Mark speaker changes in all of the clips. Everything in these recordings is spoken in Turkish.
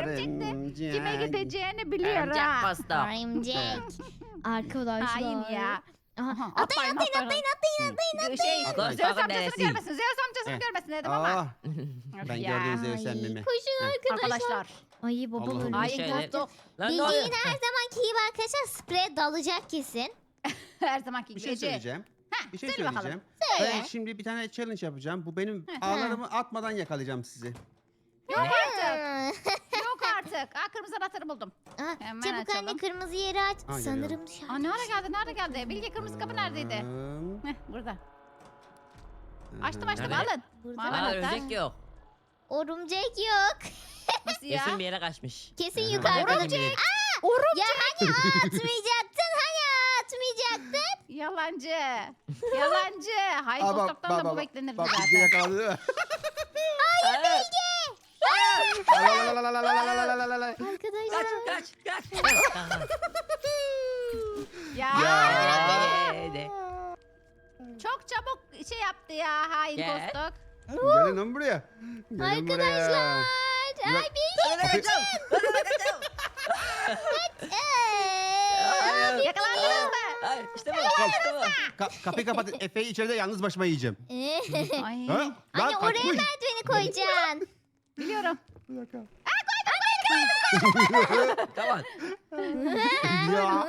Speaker 1: örümcek de kime gideceğini biliyor
Speaker 2: Örümcek
Speaker 1: ha.
Speaker 2: posta.
Speaker 3: Örümcek. Arkadaşlar.
Speaker 1: Hain ya.
Speaker 3: Aha,
Speaker 1: Atlayın. Şey,
Speaker 2: Atlayın,
Speaker 1: Zeus
Speaker 2: bakın
Speaker 1: amcasını
Speaker 2: neresi?
Speaker 1: görmesin. Zeus amcasını
Speaker 4: Heh.
Speaker 1: görmesin dedim ama.
Speaker 4: Aa,
Speaker 1: Öf
Speaker 4: ben
Speaker 1: ya.
Speaker 4: gördüm Zeus
Speaker 3: Ay,
Speaker 4: emmimi.
Speaker 3: koşun arkadaşlar.
Speaker 1: Arkadaşlar.
Speaker 3: Ay babam
Speaker 4: Allah'ım.
Speaker 3: ölmüş.
Speaker 1: Hain
Speaker 2: Şöyle.
Speaker 1: postu.
Speaker 2: Lan ne oluyor?
Speaker 3: Bilge'nin her zamanki gibi arkadaşlar spreye dalacak kesin.
Speaker 1: Her zamanki
Speaker 4: Bir
Speaker 1: gibi.
Speaker 4: şey
Speaker 1: Ece.
Speaker 4: söyleyeceğim.
Speaker 1: Heh,
Speaker 4: Bir şey
Speaker 1: söyle bakalım.
Speaker 4: söyleyeceğim.
Speaker 3: Söyle.
Speaker 4: Ben şimdi bir tane challenge yapacağım. Bu benim
Speaker 1: Hı.
Speaker 4: ağlarımı atmadan yakalayacağım sizi.
Speaker 1: Yok artık.
Speaker 3: Hmm.
Speaker 1: Yok artık. Aa, kırmızı anahtarı buldum.
Speaker 3: Aa,
Speaker 1: Hemen
Speaker 3: çabuk
Speaker 1: açalım.
Speaker 3: anne kırmızı yeri aç.
Speaker 4: Aa,
Speaker 3: Sanırım dışarı.
Speaker 1: Aa, nerede geldi? Bilge kırmızı kapı neredeydi? Heh, burada. Açtım
Speaker 2: Nerede?
Speaker 1: alın.
Speaker 3: Burada.
Speaker 1: Mavi
Speaker 2: Aa,
Speaker 1: anahtar.
Speaker 2: örümcek yok.
Speaker 3: Örümcek yok.
Speaker 1: Nasıl ya?
Speaker 2: Kesin bir yere kaçmış.
Speaker 3: Kesin
Speaker 4: Aha.
Speaker 3: yukarıda.
Speaker 2: Örümcek.
Speaker 3: Ya hani atmayacaktın atmayacaktın.
Speaker 1: Yalancı. Yalancı. Hayır
Speaker 4: Aa, bak,
Speaker 1: postoktan da
Speaker 4: bak,
Speaker 1: bu
Speaker 4: bak.
Speaker 1: beklenirdi
Speaker 4: Bak Bilge
Speaker 1: zaten.
Speaker 4: yakaladı.
Speaker 2: Hayır.
Speaker 4: Lalalalalalalalalalalalala.
Speaker 3: Arkadaşlar.
Speaker 2: Kaç. Tamam.
Speaker 1: Ya.
Speaker 4: Ya.
Speaker 2: Yedi.
Speaker 1: Çok çabuk şey yaptı ya hain
Speaker 2: Gel.
Speaker 1: postok.
Speaker 4: Gelin lan buraya. Gelin
Speaker 3: Arkadaşlar.
Speaker 4: buraya.
Speaker 3: Ay Bilge.
Speaker 1: Yakalandınız mı?
Speaker 2: Hayır işte bu. İşte bu.
Speaker 4: Kapıyı kapatın. Efe'yi içeride yalnız başıma yiyeceğim.
Speaker 1: Ay.
Speaker 4: Ha? Lan
Speaker 3: Anne oraya
Speaker 4: kaçmış.
Speaker 3: merdiveni koyacaksın.
Speaker 1: Biliyorum.
Speaker 4: Bir dakika.
Speaker 2: Tamam.
Speaker 4: Ya.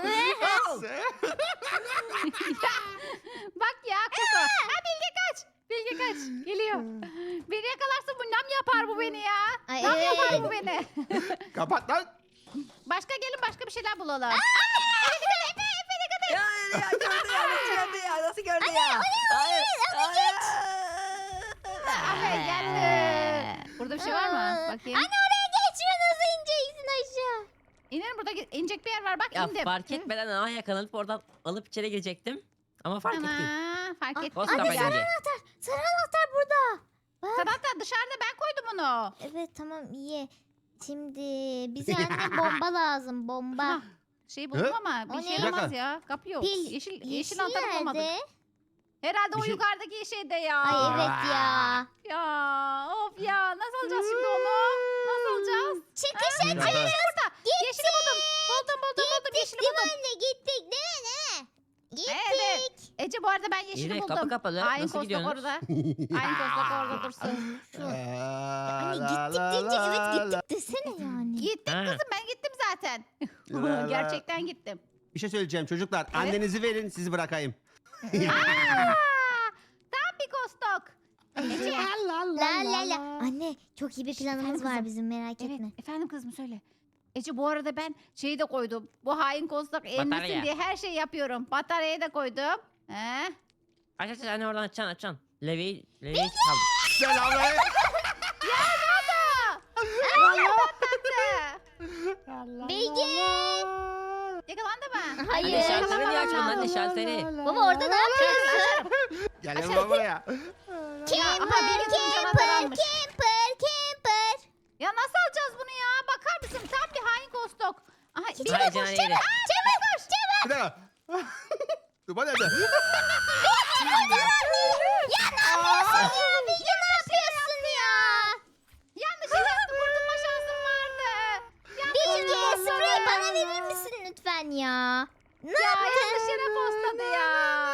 Speaker 1: Bak ya kutu. Ha Bilge kaç. Bilge kaç. Geliyor. Beni yakalarsın bu nam yapar bu beni ya.
Speaker 3: Ay,
Speaker 1: Nam
Speaker 3: evet.
Speaker 1: yapar bu beni.
Speaker 4: Kapat lan.
Speaker 1: Başka bir şeyler bulalım.
Speaker 2: Ya gördü ya. Nasıl gördü ya? Nasıl gördü ya? Hayır.
Speaker 1: Aferin geldi. Burada bir şey var mı? Bakayım.
Speaker 3: Anne oraya geçme nasıl ineceksin aşağı?
Speaker 1: İnelim burada inecek bir yer var bak
Speaker 2: Ya
Speaker 1: indim.
Speaker 2: fark etmeden aha yakalanıp oradan alıp içeri girecektim. Ama fark etti.
Speaker 1: Ana, fark
Speaker 3: Aa,
Speaker 1: ettim.
Speaker 2: Posta
Speaker 3: Anne
Speaker 2: bence.
Speaker 3: sarı anahtar. Sarı anahtar burada.
Speaker 1: Sen hatta dışarıda ben koydum onu.
Speaker 3: Evet tamam iyi. Şimdi bize anne bomba lazım bomba.
Speaker 1: Ha, şey buldum
Speaker 4: Hı?
Speaker 1: ama
Speaker 3: O
Speaker 1: bir şey
Speaker 3: ne?
Speaker 1: olmaz ya. Kapı yok.
Speaker 3: Pil.
Speaker 1: Yeşil anahtarı bulamadık.
Speaker 3: nerede?
Speaker 1: Herhalde
Speaker 4: Bir
Speaker 1: o
Speaker 4: şey-
Speaker 1: yukarıdaki şeyde ya.
Speaker 3: Ay evet ya.
Speaker 1: Ya of ya nasıl alacağız şimdi onu? Nasıl alacağız?
Speaker 3: Çıkış
Speaker 4: Bir
Speaker 3: açıyoruz.
Speaker 4: dakika.
Speaker 1: Burada. Yeşili buldum. Buldum yeşili
Speaker 3: Değil mi
Speaker 1: buldum.
Speaker 3: anne gittik değil mi? Gittik.
Speaker 1: Evet. Ece bu arada ben yeşili
Speaker 2: İyi de
Speaker 1: buldum.
Speaker 2: kapı kapalı.
Speaker 1: Hain
Speaker 2: Nasıl
Speaker 1: kostok
Speaker 2: gidiyorsunuz?
Speaker 1: orada. Hain kostok orada dursun.
Speaker 3: Anne gittik deyince evet gittik desene yani.
Speaker 1: Gittim
Speaker 2: Ha.
Speaker 1: kızım ben gittim zaten.
Speaker 4: La la.
Speaker 1: Gerçekten gittim.
Speaker 4: Bir şey söyleyeceğim çocuklar. Annenizi verin sizi bırakayım.
Speaker 1: Tam bir kostok. Ece.
Speaker 3: La la la. Anne çok iyi bir planımız var bizim merak
Speaker 1: Evet
Speaker 3: etme.
Speaker 1: efendim kızım söyle. Ece bu arada ben şeyi de koydum. Bu hain kostok
Speaker 2: Batarya.
Speaker 1: emmesin diye her şeyi yapıyorum. Bataryayı da koydum. He?
Speaker 2: Aç anne oradan açacaksın. Levi'yi kaldı.
Speaker 4: Selamünaleyküm.
Speaker 3: Bilge.
Speaker 1: Yakalandı mı?
Speaker 3: Hayır.
Speaker 2: Anne şalteri niye
Speaker 1: yakalanmadı.
Speaker 2: açmadın anne şalteri?
Speaker 3: Baba orada ne yapıyorsun?
Speaker 4: Gelin lan buraya.
Speaker 3: Camper,
Speaker 1: benim kızım
Speaker 3: camper,
Speaker 1: canavar almış.
Speaker 3: camper.
Speaker 1: Ya nasıl alacağız bunu ya? Bakar mısın? Tam bir hain kostok. Aha, bir
Speaker 2: Hayır canım yedi.
Speaker 3: Çabuk koş çabuk.
Speaker 4: Bir dakika. Duba nerede?
Speaker 3: Ya ne yapıyorsun ya? Bilge ne yapıyorsun ya?
Speaker 1: yanlış yere attım. Kurtulma şansım vardı.
Speaker 3: Bilge spreyi bana verir misin lütfen ya? Ne
Speaker 1: Ya
Speaker 3: yaptın?
Speaker 1: yanlış yere posladı ya.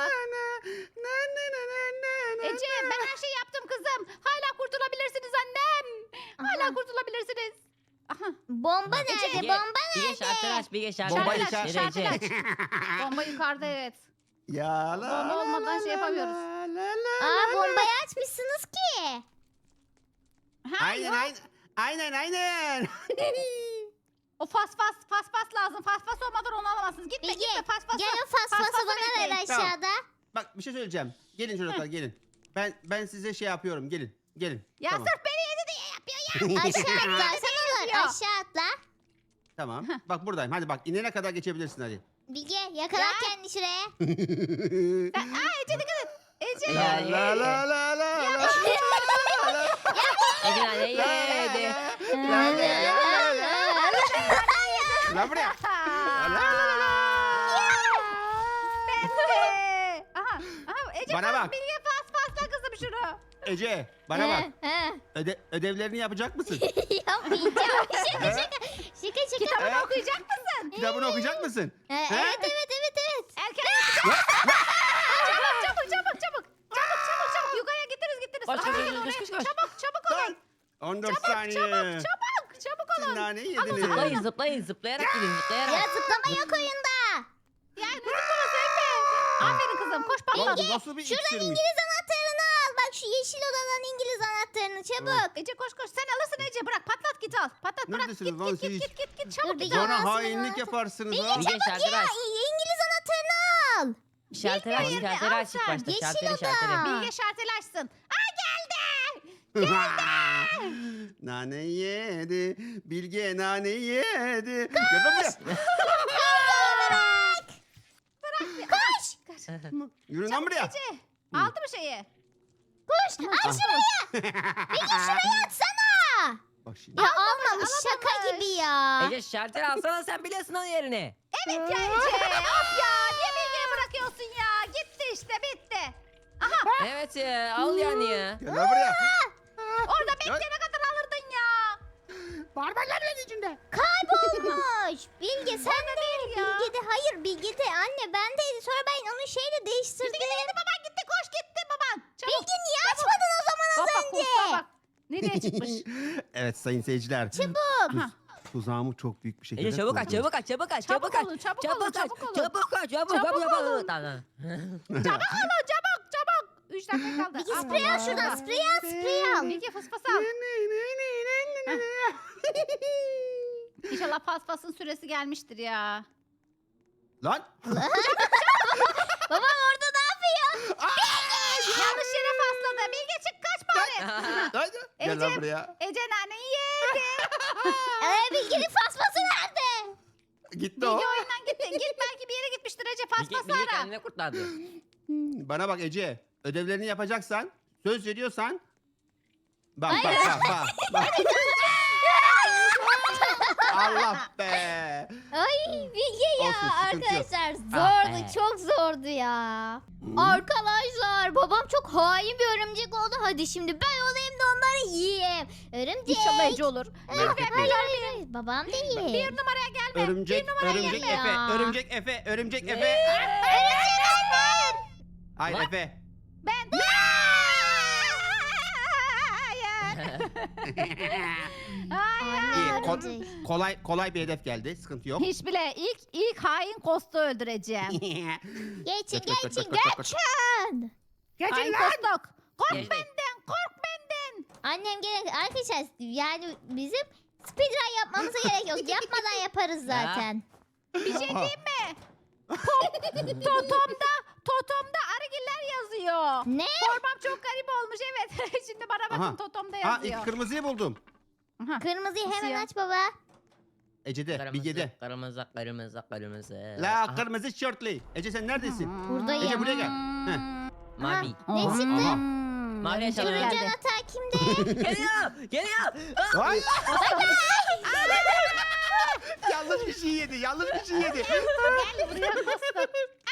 Speaker 1: Ece ben her şeyi yaptım kızım. Hala kurtulabilirsiniz annem. Hala
Speaker 3: Aha.
Speaker 1: kurtulabilirsiniz. Aha.
Speaker 3: Bomba nerede?
Speaker 2: Bilge-
Speaker 3: Bomba
Speaker 2: Bilge şalteri
Speaker 3: nerede?
Speaker 2: aç. Bilge şalteri
Speaker 4: Bomba
Speaker 2: aç.
Speaker 4: içer-
Speaker 2: Ece,
Speaker 1: şalter
Speaker 2: Ece.
Speaker 1: aç. Bomba yukarıda evet.
Speaker 4: Ya la.
Speaker 1: Bomba olmadan şey yapamıyoruz.
Speaker 3: Aa bombayı açmışsınız ki.
Speaker 1: Ha,
Speaker 4: Aynen
Speaker 1: yok.
Speaker 4: aynen. Aynen.
Speaker 1: O fas lazım. Fas olmadan onu alamazsınız. Gitme
Speaker 3: Bilge
Speaker 1: gitme fas.
Speaker 3: gel o fası bana ver
Speaker 1: bekleyin.
Speaker 3: aşağıda.
Speaker 4: Bak bir şey söyleyeceğim. Gelin çocuklar gelin. Ben size şey yapıyorum. Gelin.
Speaker 1: Ya
Speaker 4: Tamam.
Speaker 1: sırf beni yedi diye yapıyor ya.
Speaker 3: Aşağı atla sen olur
Speaker 1: ya.
Speaker 3: aşağı atla.
Speaker 4: Tamam. Bak buradayım. Hadi bak inene kadar geçebilirsin hadi.
Speaker 3: Bilge yakala kendini şuraya.
Speaker 1: Ece dikkat et. Ece.
Speaker 2: Ya,
Speaker 4: La la la la la.
Speaker 2: Ece anne yedi.
Speaker 4: Lan buraya.
Speaker 1: Ece
Speaker 4: Bana bak.
Speaker 1: Bilge fasla kızım şunu.
Speaker 4: Ece bana bak. Ödevlerini yapacak mısın?
Speaker 3: Yapmayacağım. Şaka şaka.
Speaker 4: mısın?
Speaker 3: Evet
Speaker 4: He?
Speaker 3: evet evet.
Speaker 1: Erken çabuk. Çabuk. Yukarıya gittiniz.
Speaker 2: Koş,
Speaker 1: Aha,
Speaker 2: koş,
Speaker 1: gelin
Speaker 2: koş,
Speaker 1: oraya.
Speaker 2: koş, koş.
Speaker 1: Çabuk olun.
Speaker 4: Lan. 14 saniye.
Speaker 1: Çabuk
Speaker 4: Siz
Speaker 1: olun.
Speaker 4: nane
Speaker 2: Zıplayın
Speaker 4: yediniz.
Speaker 2: zıplayın zıplayarak gidin
Speaker 3: Ya
Speaker 2: zıplayarak.
Speaker 3: zıplama yok oyunda.
Speaker 1: Ya ne zıplaması Efe? Aferin kızım koş
Speaker 4: Lan
Speaker 1: patlat.
Speaker 4: bu nasıl bir
Speaker 3: Şuradan
Speaker 4: iksirmiş?
Speaker 3: İngiliz anahtarını al. Bak şu yeşil odadan İngiliz anahtarını çabuk.
Speaker 1: Ece koş sen alırsın Ece bırak patlat git al. Patlat bırak
Speaker 4: Neredesiniz
Speaker 1: git
Speaker 4: lan
Speaker 1: git
Speaker 4: siz?
Speaker 1: git çabuk
Speaker 3: Dur, bir
Speaker 1: git al.
Speaker 3: gel.
Speaker 4: Bana
Speaker 3: Aslında
Speaker 4: hainlik
Speaker 3: lazım.
Speaker 4: yaparsınız
Speaker 3: Bilge
Speaker 4: ha.
Speaker 2: Bilge şalteri aç.
Speaker 3: İngiliz anahtarını al.
Speaker 2: Şalteri aç
Speaker 1: Bilge,
Speaker 2: şalteri
Speaker 1: al
Speaker 2: aç ilk
Speaker 1: sen.
Speaker 2: başta.
Speaker 3: Yeşil
Speaker 2: Şalteri
Speaker 3: oda.
Speaker 2: şalteri.
Speaker 1: Bilge şarteli açsın. Aa geldi.
Speaker 4: Nane yedi. Bilge nane yedi. Gel lan buraya.
Speaker 3: Koş.
Speaker 4: Yürü lan buraya.
Speaker 1: Ece aldı mı şeyi?
Speaker 3: Koş. Al şuraya. Bilge şuraya atsana.
Speaker 4: Bak şimdi.
Speaker 3: Ya almamış şaka
Speaker 1: alamamış.
Speaker 3: gibi ya.
Speaker 2: Ece şalteri alsana sen biliyorsun onun yerini.
Speaker 1: Evet ya Ece. Of ya niye Bilge'ye bırakıyorsun ya? Gitti işte bitti. Aha
Speaker 2: Evet ya al yani ya.
Speaker 4: Gel lan buraya.
Speaker 1: orada bekleyene kadar alırdın ya.
Speaker 4: Barbarlar içinde.
Speaker 3: Kaybolmuş. Bilge sen de
Speaker 1: değil ya.
Speaker 3: Bilge de hayır Bilge de anne bendeydi. Sonra ben onu şeyle değiştirdim.
Speaker 1: Gitti baban gitti koş gitti baban. Çabuk.
Speaker 3: Bilge niye açmadın o zaman az
Speaker 1: Bak
Speaker 3: önce?
Speaker 1: kursa bak. Nereye çıkmış?
Speaker 4: Evet sayın seyirciler.
Speaker 3: Çabuk.
Speaker 1: Aha.
Speaker 4: Tuzağımı çok büyük bir şekilde
Speaker 2: Ece çabuk aç
Speaker 4: kurdum.
Speaker 2: çabuk aç çabuk aç
Speaker 1: Çabuk
Speaker 2: çabuk aç.
Speaker 1: olun, çabuk
Speaker 2: Çabuk
Speaker 1: olun,
Speaker 2: aç
Speaker 1: çabuk olun.
Speaker 2: çabuk aç çabuk
Speaker 1: Çabuk
Speaker 2: çabuk
Speaker 1: olun.
Speaker 2: Tamam.
Speaker 1: Çabuk. 3 dakika kaldı.
Speaker 3: Bilge sprey al şuradan sprey al.
Speaker 1: Bilge fısfas al. İnşallah paspasın süresi gelmiştir ya.
Speaker 4: Lan.
Speaker 3: Babam orada ne yapıyor?
Speaker 1: Yanlış yere pasladı. Bilge çık kaç bari.
Speaker 4: Hadi. Gel lan
Speaker 1: Ece.
Speaker 4: buraya.
Speaker 1: Ece naneyi yedi.
Speaker 3: Bilge'nin fasması nerede?
Speaker 4: Gitti
Speaker 1: Bilge
Speaker 4: o.
Speaker 1: oyundan gitti. Git belki bir yere gitmiştir Ece paspası
Speaker 2: Bilge
Speaker 1: ara.
Speaker 2: kendine kurtardı.
Speaker 4: Bana bak Ece. Ödevlerini yapacaksan, söz veriyorsan. Bak. Allah be.
Speaker 3: Ay Bilge ya
Speaker 4: Olsun, sıkıntı yok.
Speaker 3: arkadaşlar
Speaker 2: Ah
Speaker 3: zordu
Speaker 2: be.
Speaker 3: çok zordu ya. Arkadaşlar babam çok hain bir örümcek oldu. Hadi şimdi ben olayım da onları yiyeyim. Örümcek.
Speaker 1: İnşallah Ece olur.
Speaker 4: Merak etmeyin.
Speaker 3: Hayır. Babam değil.
Speaker 1: Bir numaraya gelme.
Speaker 4: Örümcek, örümcek
Speaker 3: gelme
Speaker 4: Efe,
Speaker 3: ya.
Speaker 4: örümcek Efe, örümcek Efe. Hayır
Speaker 2: Lan.
Speaker 4: Efe.
Speaker 1: Ben. Hayır. Hayır.
Speaker 4: İyi,
Speaker 3: Anne,
Speaker 4: ko-
Speaker 3: örümcek.
Speaker 4: kolay bir hedef geldi. Sıkıntı yok.
Speaker 1: Hiç bile ilk hain Kost'u öldüreceğim.
Speaker 3: Geçin
Speaker 4: Kaç, kaç,
Speaker 3: geçin
Speaker 4: kaç, kaç, kaç.
Speaker 3: geçin.
Speaker 1: Hain Kostok. Kork
Speaker 2: Geçtik.
Speaker 1: benden, kork benden.
Speaker 3: Annem gene arkadaşlar yani bizim speedrun yapmamıza gerek yok. Yapmadan yaparız zaten.
Speaker 1: Bir şey diyeyim mi? Totomda arıgiller yazıyor.
Speaker 3: Ne?
Speaker 1: Formam çok garip olmuş evet. Şimdi bana bakın
Speaker 4: Aha.
Speaker 1: Totom'da
Speaker 4: Ha
Speaker 1: yazıyor.
Speaker 4: ilk kırmızıyı buldum.
Speaker 1: Aha.
Speaker 3: Kırmızıyı hemen
Speaker 1: Siyah.
Speaker 3: aç baba.
Speaker 4: Ece'de, Bilge'de.
Speaker 2: Kırmızı kırmızı kırmızı.
Speaker 4: La
Speaker 2: Aha,
Speaker 4: kırmızı şortlu. Ece sen neredesin?
Speaker 3: Buradayım.
Speaker 4: Ece buraya gel. Heh.
Speaker 2: Mavi.
Speaker 3: Ne çıktı?
Speaker 4: Aha.
Speaker 2: Mavi
Speaker 1: Örümcek
Speaker 2: yaşadı.
Speaker 3: Turuncu
Speaker 1: geldi.
Speaker 3: anahtar kimde?
Speaker 2: Geliyor geliyor.
Speaker 4: Ay. Yanlış bir şey yedi. Yanlış bir şey yedi.
Speaker 1: Gel buraya Kostok.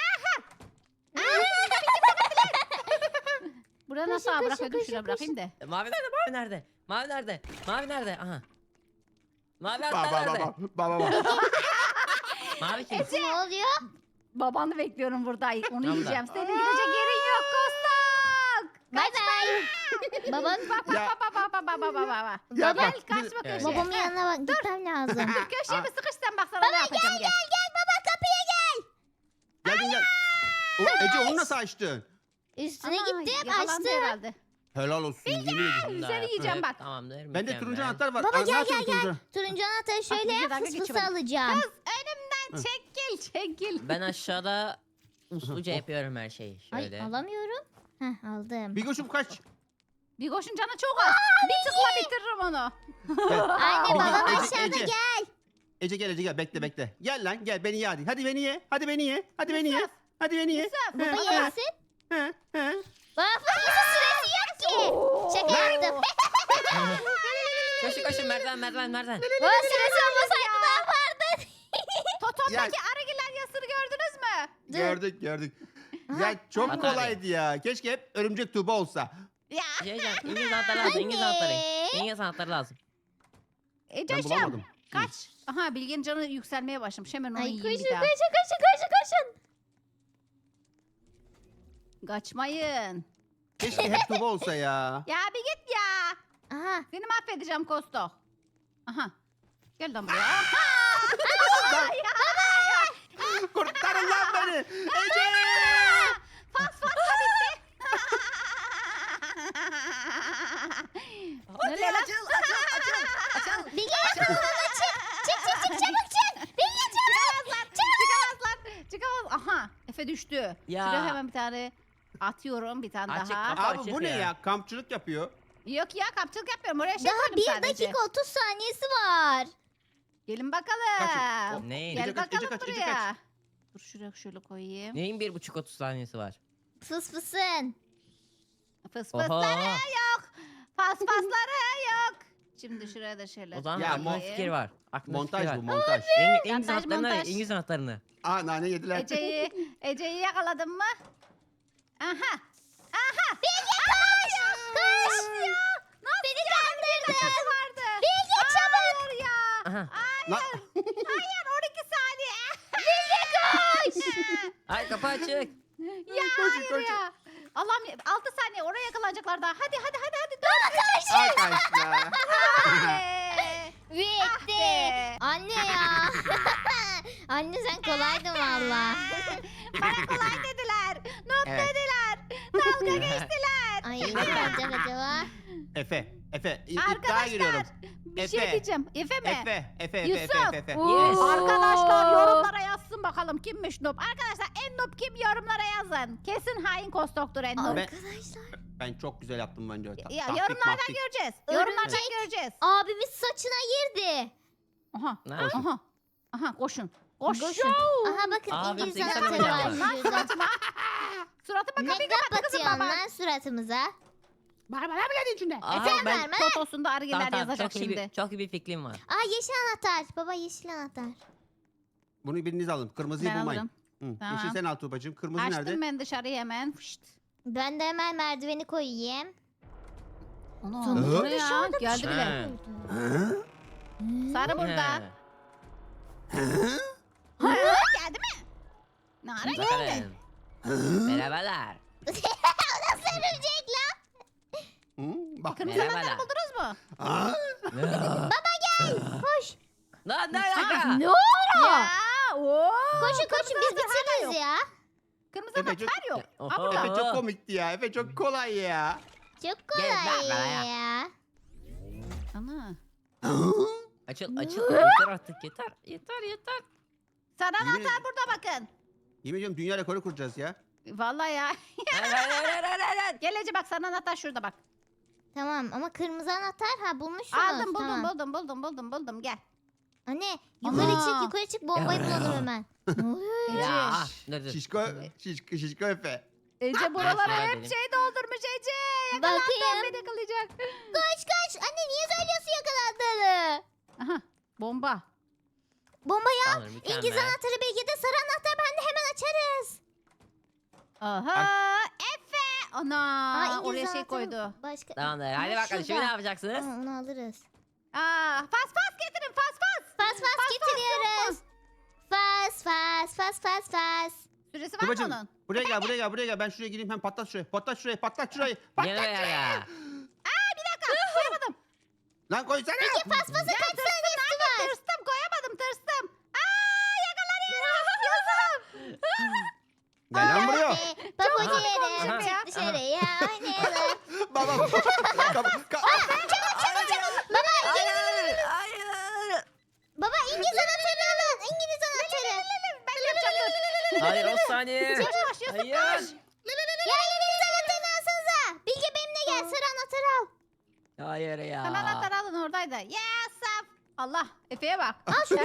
Speaker 1: Buraya nasıl
Speaker 3: Koşun,
Speaker 1: bırakıyordum?
Speaker 3: koşun,
Speaker 1: Şuraya bırakayım da.
Speaker 2: Mavi nerede mavi nerede? Mavi nerede? Mavi nerede? Aha. Mavi
Speaker 4: Bak
Speaker 2: anahtar
Speaker 4: bak
Speaker 2: nerede?
Speaker 4: bak bak.
Speaker 2: Mavi kim?
Speaker 3: Ne oluyor?
Speaker 1: Babanı bekliyorum burada. Onu
Speaker 2: Tamam.
Speaker 1: yiyeceğim. Senin gidecek yerin yok Kostok.
Speaker 3: Bay bay. Babam,
Speaker 1: Bak
Speaker 4: Ya.
Speaker 1: bak.
Speaker 4: Ya
Speaker 1: Gel
Speaker 4: bak,
Speaker 1: kaçma
Speaker 2: Evet.
Speaker 1: köşeye.
Speaker 3: babamın yanına bak gitmem lazım.
Speaker 1: Dur köşeye
Speaker 4: Aa.
Speaker 1: bir sıkıştın bak sana ne yapacağım gel.
Speaker 3: Gel baba kapıya gel.
Speaker 4: Geldin gel. Ece onu nasıl açtın?
Speaker 3: Üstüne
Speaker 1: Ana,
Speaker 3: gittim
Speaker 1: yakalandı
Speaker 3: açtım.
Speaker 1: herhalde.
Speaker 4: Helal olsun. Yemin ediyorum.
Speaker 1: Seni yiyeceğim bak.
Speaker 2: Tamamdır.
Speaker 4: Bende
Speaker 2: mükemmel.
Speaker 4: turuncu anahtar var.
Speaker 3: Baba
Speaker 4: Aa, ne
Speaker 3: gel
Speaker 4: yapıyorsun
Speaker 3: gel gel.
Speaker 4: turuncu?
Speaker 3: Turuncu anahtarı şöyle
Speaker 1: bir
Speaker 3: yap
Speaker 1: dakika
Speaker 3: fıs fıs
Speaker 1: geçemedim.
Speaker 3: alacağım.
Speaker 1: Kız önümden çekil.
Speaker 2: Ben aşağıda usluca yapıyorum her şeyi. Şöyle.
Speaker 3: Ay alamıyorum. Heh aldım.
Speaker 4: Bigoş'um kaç.
Speaker 1: Bir koşun canı çok az. Bir tıkla bitiririm onu.
Speaker 4: Gel.
Speaker 3: Anne
Speaker 4: Ece,
Speaker 3: babam
Speaker 4: Ece,
Speaker 3: aşağıda
Speaker 4: Ece.
Speaker 3: gel.
Speaker 4: Ece gel Ece gel bekle bekle. Gel lan gel beni ye hadi. Hadi beni ye. Hadi beni ye. Hadi beni ye. Hadi beni ye.
Speaker 3: Baba
Speaker 4: He,
Speaker 3: yesin.
Speaker 4: he, he.
Speaker 3: Baba fıs fıs süresi yok ki. Şaka yaptım.
Speaker 2: Koşun merdiven.
Speaker 3: Baba süresi olmasaydı ne yapardın?
Speaker 1: Totomdaki arıgiller yasını gördünüz mü?
Speaker 4: Gördük. Ya çok
Speaker 2: Hadi.
Speaker 4: kolaydı ya. Keşke hep örümcek tuğba olsa.
Speaker 1: Ya
Speaker 2: İngiliz anahtarı lazım. İngiliz anahtarı.
Speaker 3: Anne.
Speaker 2: İngiliz anahtarı lazım.
Speaker 4: Ben
Speaker 1: Ece'cim
Speaker 4: bulamadım.
Speaker 1: Kaç. Aha Bilge'nin canı yükselmeye başlamış. Hemen onu
Speaker 3: Ay
Speaker 1: yiyeyim
Speaker 3: koşun
Speaker 1: bir daha.
Speaker 3: koşun.
Speaker 1: Kaçmayın.
Speaker 4: Keşke hep Tuba olsa ya.
Speaker 1: Ya bir git ya.
Speaker 3: Aha.
Speaker 1: Seni mahvedeceğim Kosto. Aha. Gel lan buraya. Aha.
Speaker 4: Kurtarın lan beni. Ece.
Speaker 1: Fas da bitti.
Speaker 2: Hadi
Speaker 1: Nereye lan?
Speaker 2: açıl.
Speaker 3: Bilge yakaladı çık çabuk çık. Bilge çabuk.
Speaker 1: Çıkamazlar. Çıkamaz. Aha. Efe düştü.
Speaker 2: Ya.
Speaker 1: Şuraya hemen bir tane atıyorum. Bir tane
Speaker 2: Açık
Speaker 1: daha.
Speaker 2: kafa.
Speaker 4: Abi bu ne ya? Kampçılık yapıyor.
Speaker 1: Yok ya kapçılık yapmıyorum. Oraya şey
Speaker 3: Daha
Speaker 1: koydum
Speaker 3: 1
Speaker 1: sadece.
Speaker 3: dakika 30 saniyesi var.
Speaker 1: Gelin bakalım.
Speaker 4: Kaçın.
Speaker 2: Neyin?
Speaker 1: Gel
Speaker 4: Ece kaç,
Speaker 1: bakalım
Speaker 4: Ece kaç, Ece
Speaker 1: buraya. Dur şuraya şöyle koyayım.
Speaker 2: Neyin 1,5-30 saniyesi var?
Speaker 3: Fıs fısın.
Speaker 1: Fıs
Speaker 2: Oha.
Speaker 1: fısları yok. Pasları yok. Şimdi şuraya da şöyle.
Speaker 2: O zaman
Speaker 4: Ya,
Speaker 2: aklımda
Speaker 1: koyayım.
Speaker 2: fikir var. Aklımda
Speaker 4: Montaj
Speaker 2: fikir
Speaker 4: bu
Speaker 2: var.
Speaker 4: montaj.
Speaker 2: İngiliz
Speaker 1: Montaj,
Speaker 2: anahtarını
Speaker 1: montaj.
Speaker 2: arayın. İngiliz anahtarını.
Speaker 4: Aa nane yediler.
Speaker 1: Ece'yi yakaladın mı? Aha. Aha.
Speaker 3: Bilge koş. Koş. Beni kandırdın.
Speaker 1: Vardı.
Speaker 3: Bilge çabuk.
Speaker 1: Hayır ya.
Speaker 2: Aha.
Speaker 4: Lan.
Speaker 1: Hayır 12 saniye.
Speaker 2: Ay kapı açık.
Speaker 1: Ya
Speaker 4: Koşun,
Speaker 1: hayır
Speaker 4: koşun.
Speaker 1: ya. Allah'ım 6 saniye oraya yakalanacaklar daha. Hadi.
Speaker 4: Arkadaşlar.
Speaker 3: Bitti.
Speaker 1: be.
Speaker 3: Anne ya. Anne sen kolaydın valla.
Speaker 1: Bana kolay dediler. Not
Speaker 4: Evet.
Speaker 1: dediler. Dalga geçtiler.
Speaker 3: Ay ne olacak acaba?
Speaker 4: Efe. İddiaya
Speaker 1: Arkadaşlar
Speaker 4: giriyorum.
Speaker 1: bir şey
Speaker 4: Efe.
Speaker 1: diyeceğim. Efe mi?
Speaker 4: Efe.
Speaker 1: Yusuf.
Speaker 3: Oo.
Speaker 2: Yes.
Speaker 1: Arkadaşlar yorumlara yazsın bakalım kimmiş noob. Arkadaşlar en noob kim yorumlara yazın. Kesin hain kostoktur en noob.
Speaker 4: Ben-
Speaker 3: Arkadaşlar.
Speaker 4: Ben çok güzel yaptım bence.
Speaker 1: Ya,
Speaker 4: Taktik,
Speaker 1: yorumlardan
Speaker 4: maktik.
Speaker 1: göreceğiz.
Speaker 3: Örümcek.
Speaker 1: Yorumlardan göreceğiz.
Speaker 3: Abimiz saçına girdi.
Speaker 1: Aha.
Speaker 2: Nerede?
Speaker 1: Aha koşun. Koşun.
Speaker 3: Aha bakın
Speaker 2: Abi,
Speaker 3: İngiliz
Speaker 2: 80
Speaker 3: anahtarı var
Speaker 2: milyon
Speaker 1: Lan
Speaker 3: şurada.
Speaker 1: suratıma. Suratıma
Speaker 3: Ne
Speaker 1: kapıyı kapattı kızım
Speaker 3: kapatıyorsun
Speaker 1: baba.
Speaker 3: lan suratımıza?
Speaker 1: Bana mı dedin içinde?
Speaker 2: Aha,
Speaker 1: Efe
Speaker 2: ben-
Speaker 3: verme.
Speaker 1: Totosunda argiler yazacak
Speaker 2: çok iyi,
Speaker 1: şimdi.
Speaker 2: çok iyi bir fikrim var.
Speaker 3: Aa yeşil anahtar. Baba yeşil anahtar.
Speaker 4: Bunu biriniz alın. Kırmızıyı
Speaker 1: Ben
Speaker 4: bulmayın.
Speaker 1: alırım.
Speaker 4: Hı.
Speaker 1: Tamam.
Speaker 4: Yeşil sen al Tuğbacığım. Kırmızı
Speaker 1: Açtım
Speaker 4: nerede?
Speaker 1: ben dışarıya hemen. Fışt.
Speaker 3: Ben de hemen merdiveni koyayım.
Speaker 1: Ana
Speaker 3: Sonuçta
Speaker 1: bu ne ya?
Speaker 3: dışarıda bir
Speaker 1: Geldi
Speaker 3: şey
Speaker 1: bile.
Speaker 4: Hı?
Speaker 3: koydu.
Speaker 1: Sarı burada.
Speaker 2: He.
Speaker 1: Geldi mi? Nara geldi.
Speaker 2: Bakalım. Merhabalar.
Speaker 3: Nasıl örümcek lan?
Speaker 4: Hı? Bak.
Speaker 1: Kırmızı
Speaker 2: Merhabalar.
Speaker 1: anahtarı buldunuz mu?
Speaker 4: Aa,
Speaker 3: Koş.
Speaker 2: Lan ne alaka?
Speaker 3: Ne ora?
Speaker 1: Ya. Oo.
Speaker 3: Koşun koşun biz
Speaker 1: anahtar hala
Speaker 3: bitiririz ya.
Speaker 1: Kırmızı
Speaker 4: Efe çok-
Speaker 1: anahtar yok.
Speaker 2: Oho.
Speaker 1: Aa, burada.
Speaker 4: Efe çok komikti ya. Efe çok kolay ya.
Speaker 3: Çok
Speaker 2: Gel lan
Speaker 3: kolay
Speaker 2: buraya.
Speaker 3: ya.
Speaker 1: Ana.
Speaker 2: Açıl yeter artık yeter.
Speaker 1: Sarı
Speaker 4: Yemin
Speaker 1: anahtar
Speaker 4: ederim.
Speaker 1: burada bakın.
Speaker 4: Yemin ediyorum dünya rekoru kuracağız ya.
Speaker 1: Vallahi ya.
Speaker 2: Hayır.
Speaker 1: Gel Ece bak sarı anahtar şurada bak.
Speaker 3: Tamam ama kırmızı anahtar ha bulmuşsunuz.
Speaker 1: Aldım
Speaker 3: Tamam.
Speaker 1: buldum gel.
Speaker 3: Anne
Speaker 1: Ana.
Speaker 3: yukarı çık bombayı
Speaker 2: Ya.
Speaker 3: bulalım hemen. Ne oluyor ya?
Speaker 2: Ya. Dur.
Speaker 4: Şişko Efe.
Speaker 1: Ece buralara
Speaker 2: Şöyle
Speaker 1: hep
Speaker 2: benim.
Speaker 1: şey doldurmuş Ece.
Speaker 3: Bakayım.
Speaker 1: Yakalandım beni yakalayacak.
Speaker 3: Koş. Anne niye söylüyorsun yakalandığını?
Speaker 1: Aha bomba.
Speaker 3: Bombayı al.
Speaker 2: Tamam, mükemmel.
Speaker 3: İngiliz anahtarı belki de sarı anahtar bende hemen açarız.
Speaker 1: Aha Efe. Ana
Speaker 3: İngiliz
Speaker 1: oraya şey
Speaker 3: anahtarı
Speaker 1: koydu.
Speaker 3: Başka.
Speaker 2: Tamamdır. Hadi
Speaker 3: Aa,
Speaker 2: bakalım şimdi
Speaker 3: şurada.
Speaker 2: ne yapacaksınız?
Speaker 3: Tamam onu alırız.
Speaker 1: Aa fas getirin fas.
Speaker 3: Fas getiriyoruz. Fas.
Speaker 1: Süresi var
Speaker 4: Tuğbacığım
Speaker 1: mı onun?
Speaker 4: buraya gel. Ben şuraya gireyim hem patlat şurayı. Patlat şurayı.
Speaker 2: Gel buraya ya.
Speaker 1: Koyamadım.
Speaker 4: Lan koysana.
Speaker 3: Kaç saniyesi var?
Speaker 1: Koyamadım tırstım. Aa yakalanıyorum Yusuf.
Speaker 4: Gel lan buraya.
Speaker 3: Pabucu
Speaker 1: olmuş
Speaker 3: yerim.
Speaker 1: ya.
Speaker 3: Çık dışarıya oynayalım.
Speaker 4: Baba.
Speaker 3: Baba İngiliz anahtarı alın. İngiliz anahtarı.
Speaker 1: Ben yapacağım dur.
Speaker 2: Hayır 10 saniye.
Speaker 1: Yavaş Yusuf
Speaker 2: Hayır.
Speaker 1: koş.
Speaker 3: Ya İngiliz anahtarını alsanıza. Bilge benimle gel sarı anahtarı al.
Speaker 2: Hayır ya.
Speaker 1: Sen anahtarı alın oradaydı. Yusuf. Allah Efe'ye bak.
Speaker 3: Al şunu.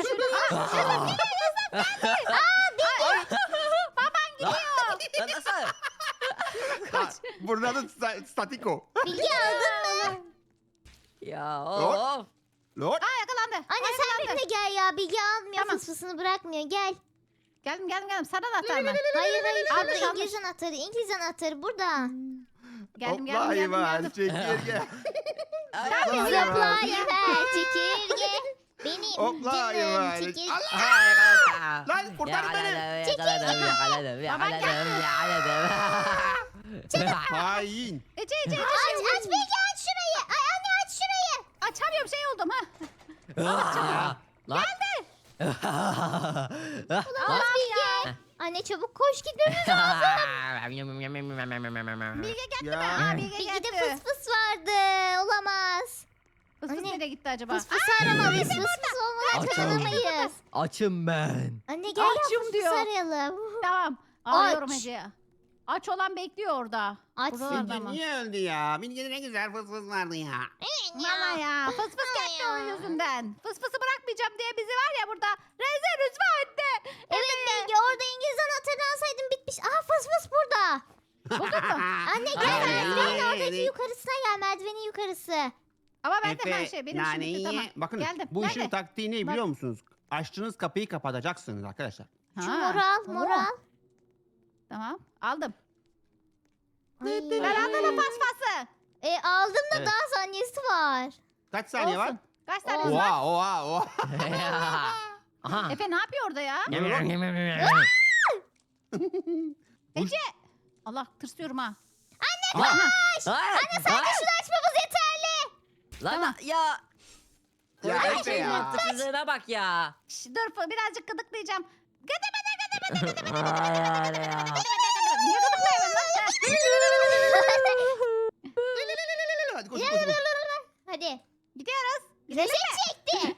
Speaker 1: Baban gidiyor.
Speaker 2: Lan nasıl?
Speaker 4: Burada da statiko.
Speaker 3: Bilge aldın mı?
Speaker 2: Ya
Speaker 4: Lord.
Speaker 2: of.
Speaker 4: Lord.
Speaker 1: Aa yakalandı.
Speaker 3: Anne sen benimle gel ya. Bilge almıyor
Speaker 1: Tamam.
Speaker 3: fısfısını bırakmıyor. Gel.
Speaker 1: Geldim. Sana anahtar mı?
Speaker 3: Hayır
Speaker 1: Almış,
Speaker 3: şurada İngiliz anahtarı. İngiliz anahtarı burada.
Speaker 1: Geldim.
Speaker 4: Çekirge.
Speaker 3: Zıplayıver çekirge. Benim
Speaker 4: Hopla,
Speaker 3: canım
Speaker 4: yuvarlak.
Speaker 3: çekil.
Speaker 4: Allah!
Speaker 2: Ha, yakaladım.
Speaker 4: Lan kurtarın beni.
Speaker 2: Yakaladım.
Speaker 4: Hain.
Speaker 1: Ece
Speaker 3: Aç Bilge aç şurayı. Ay anne aç şurayı.
Speaker 1: açamıyorum şey oldum ha.
Speaker 2: Lan.
Speaker 3: Olamaz Bilge. Anne çabuk koş gitmemiz.
Speaker 1: Bilge geldi
Speaker 4: Ya.
Speaker 1: mi? Aa Bilge
Speaker 3: Bilge'de
Speaker 1: geldi.
Speaker 3: fıs fıs vardı. Olamaz.
Speaker 1: Fıs fıs
Speaker 3: Anne.
Speaker 1: nereye gitti acaba?
Speaker 3: Fıs fıs aramalıyız. Fıs fıs olmadan
Speaker 2: Açalım.
Speaker 3: kazanamayız.
Speaker 2: Açım ben.
Speaker 3: Anne gel
Speaker 1: Açım
Speaker 3: ya fıs fıs
Speaker 1: diyor.
Speaker 3: arayalım.
Speaker 1: Tamam. Arıyorum
Speaker 3: Aç.
Speaker 1: Ece'ye. Aç olan bekliyor orada.
Speaker 3: Açsın.
Speaker 1: Buralarda
Speaker 4: Bilge
Speaker 1: mı?
Speaker 4: niye öldü ya? Bilge'de ne güzel fıs fıs vardı ya.
Speaker 1: Valla ya. Fıs fıs gitti
Speaker 3: Ya.
Speaker 1: o yüzünden. Fıs fısı bırakmayacağım diye bizi var ya burada rezil rüsva etti.
Speaker 3: Evet Bilge orada İngiliz anahtarını alsaydın bitmiş. Aa fıs fıs burada.
Speaker 1: Buldun mu?
Speaker 3: Anne gel
Speaker 2: Ay,
Speaker 3: merdivenin
Speaker 4: ay,
Speaker 3: oradaki
Speaker 4: ay.
Speaker 3: yukarısına gel. Merdivenin yukarısı.
Speaker 1: Ama ben de
Speaker 4: Efe,
Speaker 1: her şey benim şimdi
Speaker 4: naneyi
Speaker 1: tamam.
Speaker 4: ye. Bakın
Speaker 1: Geldim.
Speaker 4: bu işin
Speaker 1: Nerede?
Speaker 4: taktiği ne
Speaker 1: Bak.
Speaker 4: biliyor musunuz? Açtığınız kapıyı kapatacaksınız arkadaşlar.
Speaker 3: Şu
Speaker 1: Ha,
Speaker 3: moral
Speaker 1: tamam.
Speaker 3: moral.
Speaker 1: Tamam aldım.
Speaker 3: Ay.
Speaker 1: Ben aldım pasfası.
Speaker 3: Aldım da
Speaker 4: Evet.
Speaker 3: daha saniyesi var.
Speaker 4: Kaç saniye var?
Speaker 1: Olsun. Kaç tane var?
Speaker 4: Oha oha oha.
Speaker 2: Aha.
Speaker 1: Efe ne yapıyor orada ya? Ece. Allah tırsıyorum ha.
Speaker 2: Anne
Speaker 3: Sadece şunu açmamız yeterli.
Speaker 2: Lan ya.
Speaker 4: Ya
Speaker 2: Burada
Speaker 4: Efe
Speaker 2: şey
Speaker 4: ya.
Speaker 2: mantıksızlığına bak ya.
Speaker 1: Şş, dur birazcık gıdıklayacağım. Niye gıdıklayamıyorum lan?
Speaker 4: Hadi koş koş koş.
Speaker 3: Hadi.
Speaker 1: Gidiyoruz. Gidelim
Speaker 3: Reset
Speaker 1: mi?
Speaker 3: çekti.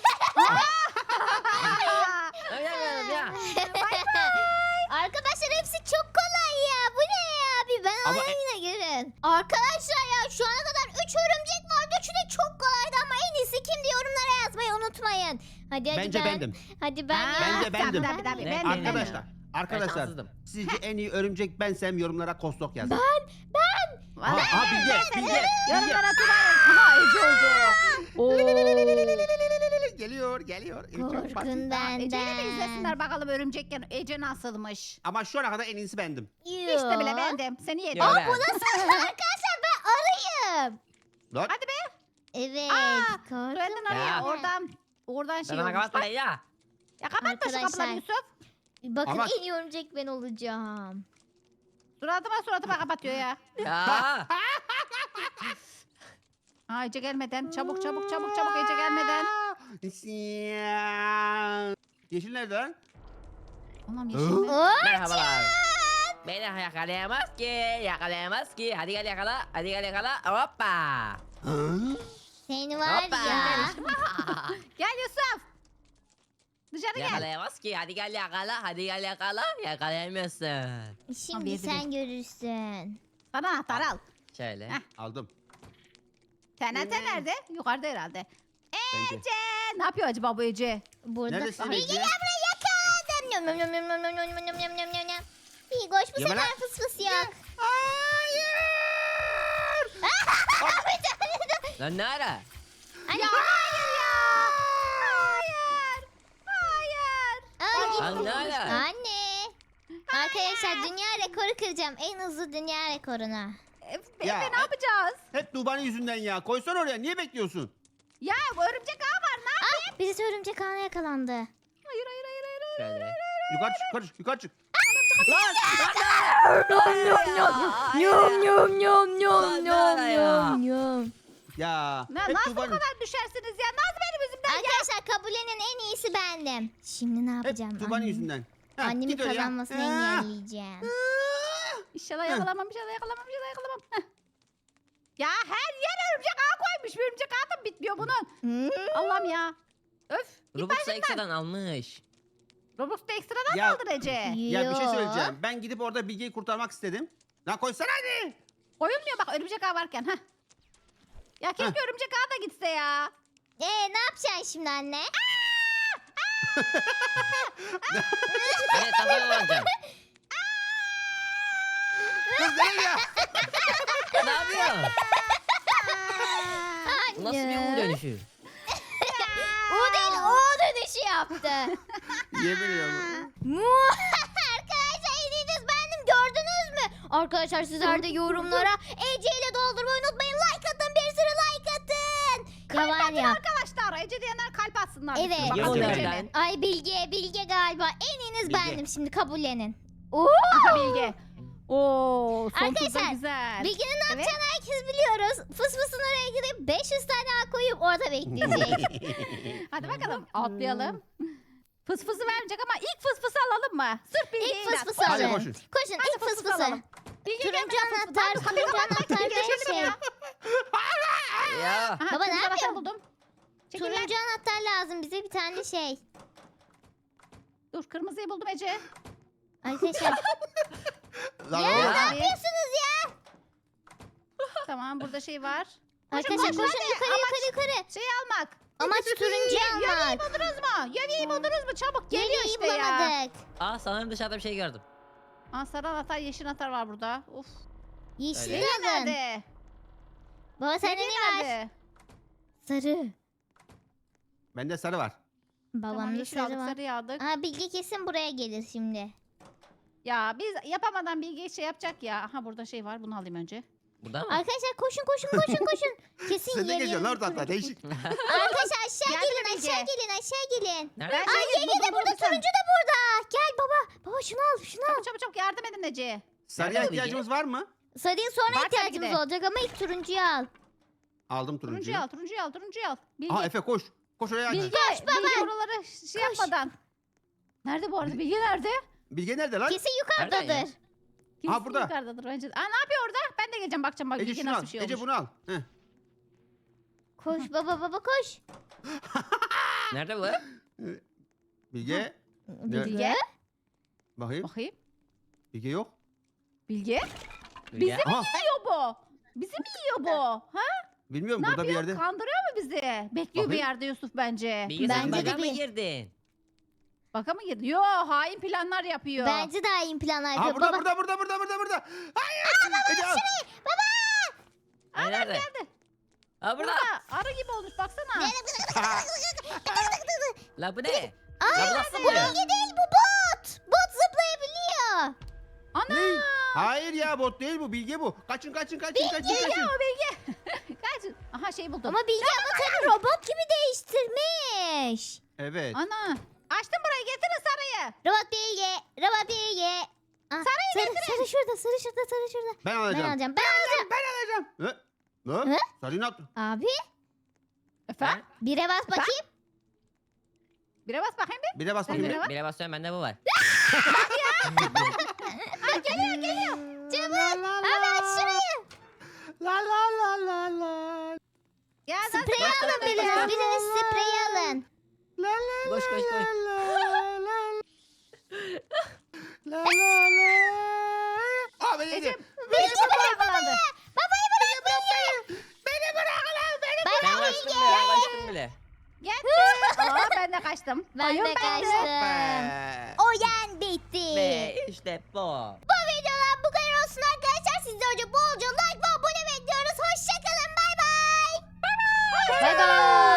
Speaker 3: Arkadaşlar hepsi çok kolay ya. Bu ne ya? Bir ben
Speaker 4: Ama-
Speaker 3: oyuna girin. Arkadaşlar ya şu ana kadar 3 örümcek vardı. Üçü de çok kolaydı ama en iyisi kimdi yorumlara yazmayı unutmayın. Hadi
Speaker 4: Bence
Speaker 3: ben.
Speaker 4: bendim.
Speaker 3: Hadi ben
Speaker 1: Ha,
Speaker 3: ya.
Speaker 4: Bence bendim.
Speaker 1: Tabii,
Speaker 2: Ne?
Speaker 1: ben de.
Speaker 4: Arkadaşlar. Arkadaşlar.
Speaker 2: şanssızdım.
Speaker 4: Sizce en iyi örümcek bensem yorumlara kostok yazın.
Speaker 1: Vallahi
Speaker 4: Aha Bilge. Bilge.
Speaker 1: yorumlara atmayın. Aha Ece oldu.
Speaker 4: Geliyor geliyor. Çok basit.
Speaker 3: Korkun
Speaker 1: Ece'yi de
Speaker 3: benden.
Speaker 1: izlesinler bakalım örümcekken Ece nasılmış.
Speaker 4: Ama şu ana kadar en iyisi bendim.
Speaker 1: İşte bile bendim. Seni yedim.
Speaker 2: Yo,
Speaker 3: Aa
Speaker 2: ben.
Speaker 3: bu nasıl arkadaşlar ben arayayım.
Speaker 4: Lan.
Speaker 1: Hadi be.
Speaker 3: Evet.
Speaker 1: Aa,
Speaker 3: korkun
Speaker 1: Tuvaletten araya.
Speaker 2: Ya.
Speaker 1: Oradan şey
Speaker 2: Bana
Speaker 1: olmuş.
Speaker 2: kapat
Speaker 1: Bak.
Speaker 2: parayı ya.
Speaker 1: Ya kapatma şu
Speaker 3: Arkadaşlar.
Speaker 1: kapıları Yusuf.
Speaker 3: Bakın
Speaker 4: Ama-
Speaker 3: en iyi örümcek ben olacağım.
Speaker 1: Suratıma kapatıyor ya.
Speaker 2: Ya.
Speaker 1: Aa Ece gelmeden. Çabuk Ece gelmeden.
Speaker 4: Yeşil nerede lan?
Speaker 1: Anam yeşil mi?
Speaker 2: Merhabalar. Beni yakalayamaz ki. Yakalayamaz ki. Hadi gel yakala. Hadi gel yakala. Hoppa.
Speaker 3: Seni var
Speaker 2: Hoppa.
Speaker 3: ya.
Speaker 1: Gel Yusuf. Dışarı gel.
Speaker 2: Yakalayamaz ki. Hadi gel yakala. Hadi gel yakala. Yakalayamıyorsun.
Speaker 3: Şimdi
Speaker 1: Abi,
Speaker 3: sen görürsün.
Speaker 1: Sana anahtar al.
Speaker 2: Şöyle.
Speaker 1: Heh.
Speaker 4: Aldım.
Speaker 1: TNT nerede? Yukarıda herhalde.
Speaker 4: Bence.
Speaker 1: Ece. Ne yapıyor acaba bu Ece?
Speaker 3: Burada.
Speaker 4: Neredesin
Speaker 3: Bilge
Speaker 4: Ece?
Speaker 3: gel buraya yakaladım. Nyam nyam nyam nyam nyam nyam nyam nyam nyam nyam nyam. Bilgoş bu
Speaker 4: Yeme
Speaker 3: sefer
Speaker 4: lan.
Speaker 3: fıs fıs yok.
Speaker 2: Lan ne ara?
Speaker 3: Anne.
Speaker 1: Ya hayır ya. Hayır. Hayır.
Speaker 3: Aa,
Speaker 2: Lan ne ara?
Speaker 3: Anne. Arkadaşlar dünya rekoru kıracağım. En hızlı dünya rekoruna.
Speaker 1: Efe
Speaker 4: Ya,
Speaker 1: ne yapacağız?
Speaker 4: Hep Tuğba'nın yüzünden ya. Koysan oraya. Niye bekliyorsun?
Speaker 1: Ya bu örümcek ağı var ne yapayım?
Speaker 3: Birisi örümcek ağına yakalandı.
Speaker 1: Hayır.
Speaker 2: Şöyle.
Speaker 4: Yukarı çık, yukarı çık, yukarı çık.
Speaker 3: Nyam nyam nyam
Speaker 2: Lan ne ara ya?
Speaker 3: nyam.
Speaker 4: Ya.
Speaker 1: Ne,
Speaker 4: hep
Speaker 1: nasıl bu
Speaker 4: Tuğba'nın,
Speaker 1: kadar düşersiniz ya? Nasıl benim yüzümden ya?
Speaker 3: Arkadaşlar kabullenin en iyisi bendim. Şimdi ne
Speaker 4: hep
Speaker 3: yapacağım?
Speaker 4: Tuğba'nın
Speaker 3: Annem-
Speaker 4: yüzünden. Heh,
Speaker 3: Annemin
Speaker 4: git oraya.
Speaker 3: kazanmasını
Speaker 4: Ah.
Speaker 3: engelleyeceğim.
Speaker 1: İnşallah yakalamam. Heh. Ya her yer örümcek ağı koymuş. Bir örümcek ağı da bitmiyor bunun. Allah'ım ya. Öf. Git
Speaker 2: Robux'u
Speaker 1: başımdan.
Speaker 2: ekstradan almış.
Speaker 1: Robux'ta ekstradan
Speaker 4: Ya-
Speaker 1: mı aldın Ece?
Speaker 4: Ya bir şey
Speaker 3: Yo.
Speaker 4: söyleyeceğim. Ben gidip orada Bilge'yi kurtarmak istedim. Lan koysana hadi.
Speaker 1: Koyulmuyor bak örümcek ağı varken. Heh. Ya keşke örümcek ağı da gitse ya.
Speaker 3: Ne yapacaksın şimdi anne?
Speaker 2: Evet kafaya vuracağım.
Speaker 4: Kız nereye ya?
Speaker 2: Ne yapıyorsun? Bu nasıl bir U dönüşü?
Speaker 3: O değil o dönüşü yaptı.
Speaker 4: Yemin ediyorum.
Speaker 3: Arkadaşlar yediğiniz bendim gördünüz mü? Arkadaşlar sizler de yorumlara Ece ile doldurmayı unutmayın. Like atın bir sürü like atın. Ya var ya.
Speaker 1: Arkadaşlar Ece diyenler kalp atsın. baksınlar.
Speaker 3: Evet.
Speaker 1: Bakalım
Speaker 2: Yok
Speaker 1: Ece'nin.
Speaker 2: nereden?
Speaker 3: Ay Bilge galiba. En iyiniz
Speaker 4: Bilge.
Speaker 3: bendim şimdi kabullenin.
Speaker 1: Aha Bilge. Oo, son turda
Speaker 3: Arkadaşlar,
Speaker 1: güzel.
Speaker 3: Bilge'nin ne yapacağını herkes biliyoruz. Fısfısın oraya gidip 500 tane ağ koyup orada bekleyecek.
Speaker 1: Hadi bakalım atlayalım. Fısfısı vermeyecek ama ilk fısfısı alalım mı? Sırf Bilge'yi
Speaker 3: İlk fısfısı
Speaker 4: Hadi
Speaker 3: alın.
Speaker 4: koşun.
Speaker 3: Koşun
Speaker 1: Hadi
Speaker 3: ilk
Speaker 1: fısfısı
Speaker 3: fısfısı.
Speaker 1: alalım. Bilge
Speaker 3: Turuncu
Speaker 1: gelmeden
Speaker 3: anahtar,
Speaker 1: fısfısı.
Speaker 3: turuncu anahtar
Speaker 1: Bilge
Speaker 3: ve
Speaker 1: geçelim
Speaker 3: şey.
Speaker 1: ya.
Speaker 2: Ya.
Speaker 1: Aha,
Speaker 3: Baba,
Speaker 1: kırmızı
Speaker 3: ne
Speaker 1: anahtar
Speaker 3: yapıyorsun?
Speaker 1: buldum. Çekil lan.
Speaker 3: Turuncu anahtar lazım bize bir tane şey.
Speaker 1: Dur kırmızıyı buldum Ece.
Speaker 3: Arkadaşlar
Speaker 4: Lan
Speaker 3: ya
Speaker 4: oğlum.
Speaker 3: ne yapıyorsunuz ya?
Speaker 1: Tamam burada şey var.
Speaker 3: Arkadaşlar
Speaker 1: koşun,
Speaker 3: koşun
Speaker 1: hadi.
Speaker 3: yukarı.
Speaker 1: Şey almak.
Speaker 3: Amaç turuncu
Speaker 1: Yeleği
Speaker 3: almak.
Speaker 1: buldunuz mu? Yeleği buldunuz mu? Çabuk geliyor
Speaker 3: Yeleği
Speaker 1: işte ya.
Speaker 3: bulamadık.
Speaker 2: Aa sanırım dışarıda bir şey gördüm.
Speaker 1: Aa, sarı anahtar, yeşil anahtar var burada. Uf.
Speaker 3: Yeşil
Speaker 2: Öyle.
Speaker 3: alın.
Speaker 1: Nerede?
Speaker 3: Baba sende
Speaker 1: Yeleği
Speaker 3: ne var?
Speaker 1: nerede?
Speaker 3: Sarı.
Speaker 4: Bende sarı var.
Speaker 1: Tamam
Speaker 3: Babamda
Speaker 1: yeşil
Speaker 3: sarı
Speaker 1: aldık,
Speaker 3: var.
Speaker 1: sarıyı aldık.
Speaker 3: Aa Bilge kesin buraya gelir şimdi.
Speaker 1: Ya biz yapamadan Bilge şey yapacak ya. Aha burada şey var, bunu alayım önce.
Speaker 2: Burada mı?
Speaker 3: Arkadaşlar koşun. Kesin
Speaker 4: Sen de
Speaker 3: yeleğin-
Speaker 4: geziyorsun orada hatta değişik.
Speaker 3: Arkadaşlar aşağı
Speaker 1: Geldi
Speaker 3: gelin
Speaker 1: Bilge.
Speaker 3: aşağı gelin.
Speaker 2: Nerede?
Speaker 1: Ben
Speaker 3: Aa
Speaker 1: şey
Speaker 3: yenge
Speaker 1: buldum,
Speaker 3: de burada
Speaker 1: buldum sen.
Speaker 3: turuncu da burada. Gel baba. Baba şunu al.
Speaker 1: Çabuk çabuk çabuk yardım edin Ece.
Speaker 4: Sarıya
Speaker 2: Nerede
Speaker 4: ihtiyacımız var mı?
Speaker 3: Sarıya sonra
Speaker 1: Var tabii ki
Speaker 3: ihtiyacımız
Speaker 1: de.
Speaker 3: olacak ama ilk turuncuyu al.
Speaker 4: Aldım turuncuyu.
Speaker 1: Turuncuyu al. Bilge,
Speaker 4: Aha Efe koş. Koş oraya.
Speaker 1: Bilge, Bilge oraları şey
Speaker 3: Koş.
Speaker 1: yapmadan. Nerede bu arada? Bilge nerede?
Speaker 4: Bilge nerede lan?
Speaker 3: Kesin
Speaker 2: Nereden ya?
Speaker 3: yukarıdadır.
Speaker 1: Kesin
Speaker 4: burada.
Speaker 1: yukarıdadır bence. Aa ne yapıyor orada? Ben de geleceğim bakacağım bak
Speaker 4: Ece
Speaker 1: Bilge
Speaker 4: şunu
Speaker 1: nasıl
Speaker 4: al.
Speaker 1: bir şey
Speaker 4: Ece
Speaker 1: olmuş.
Speaker 4: bunu al. Heh.
Speaker 3: Koş baba koş.
Speaker 2: Nerede bu?
Speaker 4: Bilge.
Speaker 3: Bilge.
Speaker 4: Bakayım.
Speaker 1: Bakayım.
Speaker 4: Bilge yok.
Speaker 1: Bilge?
Speaker 2: Bilge.
Speaker 1: Bizim
Speaker 4: Aha.
Speaker 1: yiyor bu. Bizi mi yiyor bu? Ha?
Speaker 4: Bilmiyorum
Speaker 1: Ne
Speaker 4: burada bir
Speaker 1: yapıyor?
Speaker 4: yerde.
Speaker 1: Kandırıyor mu bizi? Bekliyor bir
Speaker 4: Bakayım.
Speaker 1: yerde Yusuf bence.
Speaker 2: Bilge sen
Speaker 3: Bence de
Speaker 2: baga mı
Speaker 3: değil.
Speaker 2: girdin?
Speaker 1: Baka mı girdi? Yo hain planlar yapıyor.
Speaker 3: Bence daha iyi planlar
Speaker 4: Aha
Speaker 3: yapıyor.
Speaker 4: burada
Speaker 3: Baba
Speaker 4: burada. Hayır. Ece al.
Speaker 2: Ay, nerede?
Speaker 1: Geldi.
Speaker 2: Aa burada.
Speaker 1: Burada arı gibi olmuş baksana.
Speaker 2: La bu ne?
Speaker 3: Aa,
Speaker 2: La bu nasıl
Speaker 3: bu
Speaker 2: oluyor?
Speaker 3: Bilge değil bu bot. Bot zıplayabiliyor.
Speaker 1: Ana.
Speaker 4: Ne? Hayır ya bot değil bu. Bilge bu. Kaçın.
Speaker 1: Bilge o Bilge. Kaç. Aha şey buldum.
Speaker 3: Ama Bilge avatarı robot gibi değiştirmiş.
Speaker 4: Evet.
Speaker 1: Ana. Açtım burayı getirin sarıyı.
Speaker 3: Robot Bilge. Robot Bilge. Aa, sarı şurada.
Speaker 4: Ben
Speaker 3: Ben
Speaker 4: alacağım.
Speaker 3: alacağım.
Speaker 4: Ne? Ne?
Speaker 3: Hı?
Speaker 4: Sarıyı ne yaptın?
Speaker 3: Abi
Speaker 1: Efendim?
Speaker 3: bire bas bakayım.
Speaker 1: Bire bas bakayım bir.
Speaker 4: Bir de bas
Speaker 1: Sen
Speaker 4: bakayım.
Speaker 1: bire bak.
Speaker 2: Bire basıyorum bende bu var.
Speaker 1: Geliyor.
Speaker 3: Çabuk. Abi aç şurayı.
Speaker 4: La.
Speaker 1: Ya
Speaker 3: Sprey
Speaker 2: Koş,
Speaker 3: alın
Speaker 2: koş,
Speaker 3: biriniz.
Speaker 2: koş.
Speaker 3: Biriniz sprey alın.
Speaker 2: Koş koş koş.
Speaker 4: Aa beni yedi.
Speaker 1: Bilge baba yakalandı.
Speaker 3: Babayı bırak Bilge.
Speaker 2: Ben kaçtım bile. Ben kaçtım bile.
Speaker 1: Geldi. Aa ben de kaçtım.
Speaker 3: Ben
Speaker 1: Oyun
Speaker 3: de
Speaker 1: bende.
Speaker 3: kaçtım. Oyun bitti.
Speaker 2: Ve işte bu.
Speaker 3: Bu videodan bu kadar olsun arkadaşlar. Sizden önce bolca like ve abone bekliyoruz. Hoşçakalın. Bay bay.
Speaker 1: Bay bay.